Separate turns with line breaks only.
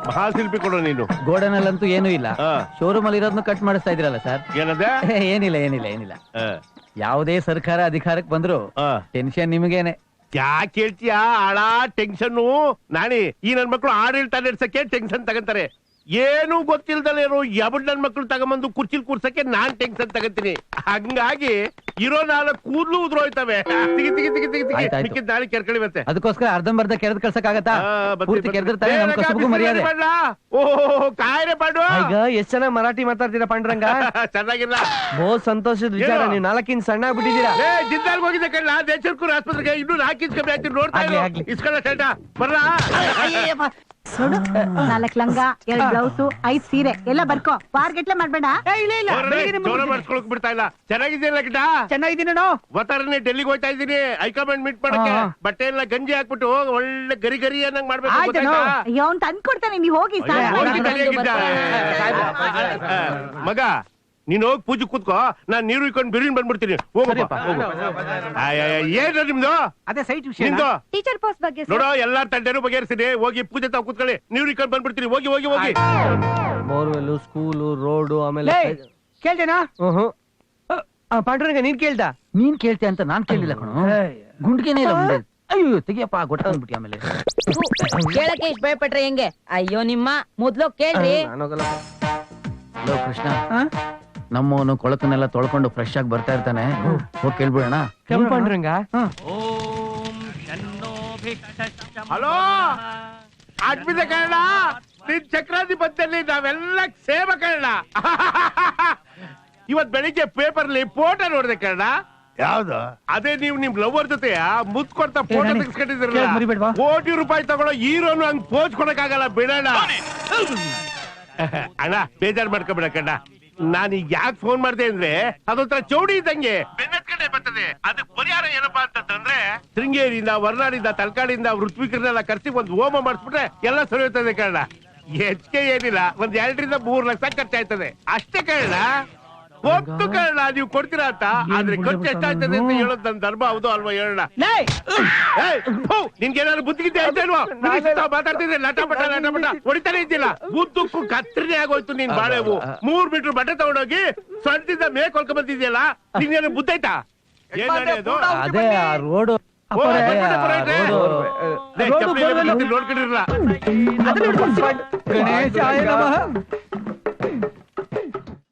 ಮಹಾಶಿಲ್ಪಿ ಕೊಡು ನೀನು.
ಗೋಡನಲ್ಲಂತೂ ಏನೂ ಇಲ್ಲ. ಶೋರೂಮ್ ಅಲ್ಲಿ ಇರೋದನ್ನ ಕಟ್ ಮಾಡಿಸ್ತಾ ಇದ್ರಲ್ಲ ಸರ್.
ಏನದೆ?
ಏನಿಲ್ಲ. ಯಾವುದೇ ಸರ್ಕಾರ ಅಧಿಕಾರಕ್ಕೆ ಬಂದ್ರು ಟೆನ್ಷನ್ ನಿಮಗೇನೆ.
ಯಾಕೆ ಹೇಳ್ತೀಯಾ? ಆಳ ಟೆನ್ಷನ್ ನಾಣಿ. ಈ ನನ್ ಮಕ್ಳು ಆಡಳಿತ ನಡೆಸಕ್ಕೆ ಟೆನ್ಷನ್ ತಗಂತಾರೆ. ಏನು ಗೊತ್ತಿಲ್ದಲೇನು ಯಾಬಡ್ ನನ್ ಮಕ್ಳು ತಗೊಂಬಂದು ಕುರ್ಚಿಲ್ ಕೂರ್ಸಕ್ಕೆ ನಾನ್ ಟೆನ್ಷನ್ ತಗಂತೀನಿ. ಹಂಗಾಗಿ ಇರೋ 4 ಕೂದ್ಲು ಉದ್ರೋಯ್ತವೆ. ತಿಗಿ ನಾಳೆ ಕೆರ್ಕಳಿ ಮತ್ತೆ.
ಅದಕ್ಕೋಸ್ಕರ ಅರ್ಧಂಬರ್ಧ ಕೆರೆದ್ ಕಳ್ಸಕ್ಕಾಗತ್ತಾ? ಪೂರ್ತಿ ಕೆರೆದಿರ್ತಾನೆ ನಮ್ ಕಸುಬುಗೂ ಮರ್ಯಾದೆ.
ಓಹ್ ಕಾಯ್ರೆ ಪಾಂಡು.
ಈಗ ಎಷ್ಟ್ ಚೆನ್ನಾಗಿ ಮರಾಠಿ ಮಾತಾಡ್ತೀರಾ ಪಾಂಡುರಂಗ.
ಚೆನ್ನಾಗಿಲ್ಲ.
ಬಹು ಸಂತೋಷದ ವಿಚಾರ. ನೀವು 4 ಇಂಚ್ ಸಣ್ಣ ಆಗ್ಬಿಟ್ಟಿದ್ದೀರಾ.
ಜಿದ್ದಾಲ್ ಹೋಗಿದ್ದೆ ಕಣ್ಣ ದೇಶಕ್ಕೂರ್ ಆಸ್ಪತ್ರೆಗೆ. ಇನ್ನು 4 ಇಂಚ್ ಕಮ್ಮಿ ಆಗ್ತೀನಿ. ನೋಡ್ತಾ ಇಸ್ಕೊಳ್ಳ ಶರ್ಟ ಬರ್ರ.
4 ಲಂಗ 2 ಬ್ಲೌಸು 5 ಸೀರೆ ಎಲ್ಲ ಬರ್ಕೋ. ಬಾರ್ಗೆಟ್ಲೆ ಮಾಡ್ಬೇಡ.
ಮಾಡಿಸ್ಕೊಳಕ್ ಬಿಡ್ತಾ ಇಲ್ಲ. ಚೆನ್ನಾಗಿದ್ದೀನ ಕಿಟ?
ಚೆನ್ನಾಗಿದ್ದೀನಿ.
ಒತ್ತಾರನೆ ಡೆಲ್ಲಿಗೆ ಹೋಗ್ತಾ ಇದ್ದೀನಿ ಹೈಕಮಾಂಡ್ ಮೀಟ್ ಮಾಡಕ್ಕೆ. ಬಟ್ಟೆ ಎಲ್ಲ ಗಂಜಿ ಹಾಕ್ಬಿಟ್ಟು ಒಳ್ಳೆ ಗರಿ ಗರಿ ಅನ್ನಂಗ್ ಮಾಡ್ಬೇಕು.
ಅಯ್ಯೋ ಅವ್ನ್ ತಂದ್ಕೊಡ್ತಾನೆ, ನೀವ್ ಹೋಗಿ.
ಮಗ ನೀನ್ ಹೋಗಿ ಪೂಜೆ ಕೂತ್ಕೋ. ನಾನ್ ನೀರು ಇಕ್ಕೊಂಡು ಬಿರಿನ್ ಬಂದ್ಬಿಡ್ತೀನಿ. ಹೋಗಪ್ಪ. ಏನ ನಿಮ್ದು?
ಅದೇ ಸೈಟ್ ವಿಷಯ.
ಟೀಚರ್ ಪೋಸ್ಟ್ ಬಗ್ಗೆ
ನೋಡೋ ಎಲ್ಲಾ ತಂಟೆನೂ ಬಗೆಹರಿಸಿದೆ. ಹೋಗಿ ಪೂಜೆ ತಾವ್ ಕೂತ್ಕೊಳ್ಳಿ. ನೀರು ಇಕ್ಕೊಂಡು ಬಂದ್ಬಿಡ್ತೀನಿ. ಹೋಗಿ.
ಬೋರ್ವೆಲ್, ಸ್ಕೂಲು, ರೋಡು, ಆಮೇಲೆ ಕೇಳ್ತೇನಾ? ಪಾಂಡುರಂಗ ನೀನ್ ಕೇಳ್ದ?
ನೀನ್ ಕೇಳ್ತೀಯ ಅಂತ ನಾನ್ ಕೇಳಿಲ್ಲ ಕಣೋ. ಗುಂಡ್ಗೆನೇ ಇಲ್ಲ ಮುಂದೆ. ಅಯ್ಯೋ ತೆಗಿಯಪ್ಪ ಗೊತ್ತಾಗ್ಬಿಟ್ಟಿ. ಆಮೇಲೆ
ಕೇಳಕ್ಕೆ ಇಷ್ಟ ಭಯಪಟ್ರೆ ಹೆಂಗೆ? ಅಯ್ಯೋ ನಿಮ್ಮ ಮೊದ್ಲು ಕೇಳ್ರಿ.
ಹಲೋ ಕೃಷ್ಣ, ನಮ್ಮವನು ಕೊಳಕನ್ನೆಲ್ಲ ತೊಳ್ಕೊಂಡು ಫ್ರೆಶ್ ಆಗಿ ಬರ್ತಾ ಇರ್ತಾನೆ. ಹೋಗಿ ಕೇಳ್ಬಿಡೋಣ.
ಪಾಂಡುರಂಗ.
ಹಲೋ ಅಡ್ಮಿದ ಕನ್ನಡ. ನಿನ್ ಚಕ್ರಾಧಿಪತ್ಯಲ್ಲಿ ನಾವೆಲ್ಲ ಸೇವ ಕನ್ನಡ. ಇವತ್ ಬೆಳಿಗ್ಗೆ ಪೇಪರ್ಲಿ ಫೋಟೋ ನೋಡಿದೆ ಕನ್ನಡ. ಯಾವ್ದು? ಅದೇ ನೀವು ನಿಮ್ ಲವರ್ ಜೊತೆ ಮುತ್ ಕೊಡ್ತಾ ಫೋಟೋ ತೆಗಿಸ್ಕೊಂಡಿದ್ರಲ್ಲ. ಕೋಟಿ ರೂಪಾಯಿ ತಗೊಳ್ಳೋ ಹೀರೋನು ಹಂಗ್ ಪೋಜ್ ಕೊಡಕ್ಕಾಗಲ್ಲ. ಬಿಡೋಣ ಅಣ್ಣ. ಬೇಜಾರ್ ಮಾಡ್ಕೊಬಿಡ ಕಣ್ಣ. ನಾನೀಗ ಯಾಕೆ ಫೋನ್ ಮಾಡ್ದೆ ಅಂದ್ರೆ ಅದೊಂಥರ ಚೌಡಿ ಇದ್ದಂಗೆ ಬೆನ್ನತ್ ಕಡೆ ಬರ್ತದೆ. ಅದಕ್ಕೆ ಪರಿಹಾರ ಏನಪ್ಪಾ ಅಂತಂದ್ರೆ ಶೃಂಗೇರಿಯಿಂದ, ವರ್ನಾಡಿಂದ, ತಲಕಾಡಿಂದ ಋತ್ವಿಕರನ್ನೆಲ್ಲ ಕರ್ಸಿ ಒಂದು ಹೋಮ ಮಾಡಿಸ್ಬಿಟ್ರೆ ಎಲ್ಲ ಸರಿ ಹೋಗ್ತದೆ ಕಣ್ಣ. ಹೆಚ್ಚಿಗೆ ಏನಿಲ್ಲ, 1 2 ರಿಂದ 3 ಲಕ್ಷ ಖರ್ಚಾಯ್ತದೆ ಅಷ್ಟೇ ಕಣ್ಣ. ಗೊತ್ತು ಕಣ್ಣ ನೀವು ಕೊಡ್ತೀರಾ ಅಂತ. ಆದ್ರೆ ಖರ್ಚು ಎಷ್ಟಾಯ್ತದೆ ಅಂತ ಹೇಳೋದು ನನ್ನ ಧರ್ಮ. ಹೌದು ಅಲ್ವಾ ಹೇಳೋಣ. ನಿನ್ಗೇನಾದ್ರು ಬುದ್ಧಿಗಿದ್ದೆ ಆಯ್ತೇಲ್ವಾ? ಮಾತಾಡ್ತಿದ್ರೆ ಲಟ ಪಟ ಹೊಡಿತಾನೆ ಇದ್ದಿಲ್ಲ. ಬುದ್ಧಕ್ಕೂ ಕತ್ತರಿನೇ ಆಗೋಯ್ತು ನಿನ್ ಬಾಳೆವು. 3 ಮೀಟರ್ ಬಟ್ಟೆ ತಗೊಂಡೋಗಿ ಸ್ವಂತದಿಂದ ಮೇಕ್ ಹೊಲ್ಕೊಂಡ್ ಬಂದಿದ್ಯಲ್ಲ. ನಿನ್ಗೇನು ಬುದ್ಧ ಆಯ್ತಾ? ಏನಾದ್ರು
ಅದೇ ಆ ರೋಡು
ನೋಡ್ಕೊಂಡಿರಲ್ಲ.